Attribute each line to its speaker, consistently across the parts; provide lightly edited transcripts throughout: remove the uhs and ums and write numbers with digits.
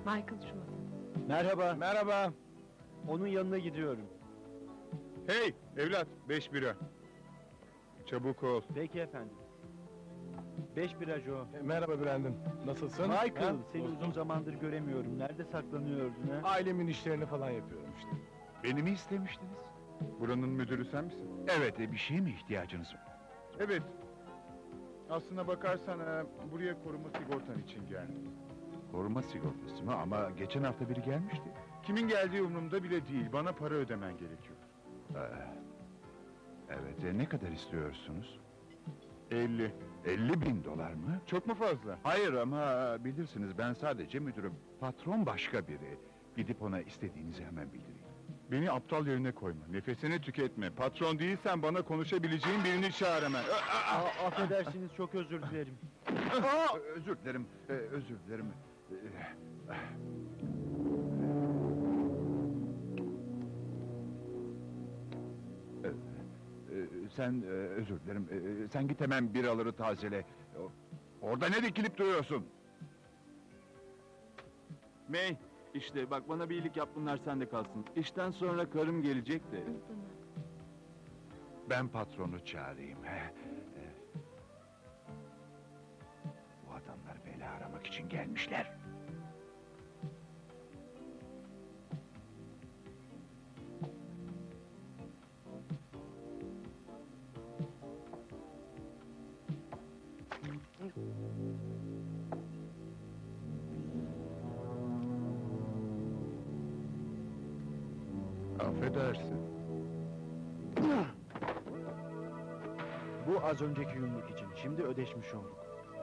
Speaker 1: Michael şu an.
Speaker 2: Merhaba.
Speaker 3: Merhaba.
Speaker 2: Onun yanına gidiyorum.
Speaker 3: Hey evlat, 5 bira. Çabuk ol.
Speaker 2: Peki efendim. 5 bira Joe.
Speaker 4: Merhaba Brandon, nasılsın?
Speaker 2: Michael,
Speaker 4: Ha?
Speaker 2: seni
Speaker 4: Dostum.
Speaker 2: uzun zamandır göremiyorum. Nerede saklanıyordun ha?
Speaker 4: Ailemin işlerini falan yapıyorum işte.
Speaker 5: Beni mi istemiştiniz?
Speaker 3: Buranın müdürü sen misin?
Speaker 5: Evet, bir şeye mi ihtiyacınız var?
Speaker 3: Evet. Aslına bakarsan buraya koruma sigortan için geldim.
Speaker 5: Koruma sigortası mı? Ama geçen hafta biri gelmişti.
Speaker 3: Kimin geldiği umurumda bile değil. Bana para ödemen gerekiyor.
Speaker 5: Ee, evet, ne kadar istiyorsunuz?
Speaker 3: 50.
Speaker 5: 50.000 dolar mı?
Speaker 3: Çok mu fazla?
Speaker 5: Hayır ama bilirsiniz ben sadece müdürüm. Patron başka biri. Gidip ona istediğinizi hemen bildireyim.
Speaker 3: Beni aptal yerine koyma. Nefesini tüketme. Patron değilsen bana konuşabileceğin birini çağır hemen.
Speaker 2: Affedersiniz, çok özür dilerim.
Speaker 5: Özür dilerim, özür dilerim. Sen özür dilerim. Sen git hemen biraları tazele. Orada ne dikilip duruyorsun?
Speaker 6: May, işte bak bana bir iyilik yap, bunlar sende kalsın. İşten sonra karım gelecek de.
Speaker 5: Ben patronu çağırayım. Bu adamlar bela aramak için gelmişler.
Speaker 3: Affedersin.
Speaker 2: Bu az önceki yumruk için. Şimdi ödeşmiş olduk.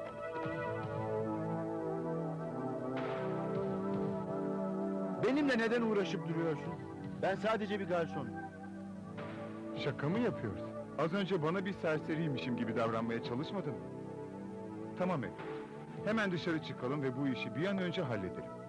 Speaker 2: Benimle neden uğraşıp duruyorsun? Ben sadece bir garsonum.
Speaker 3: Şaka mı yapıyorsun? Az önce bana bir serseriymişim gibi davranmaya çalışmadın mı? Tamam evlat. Hemen dışarı çıkalım ve bu işi bir an önce halledelim.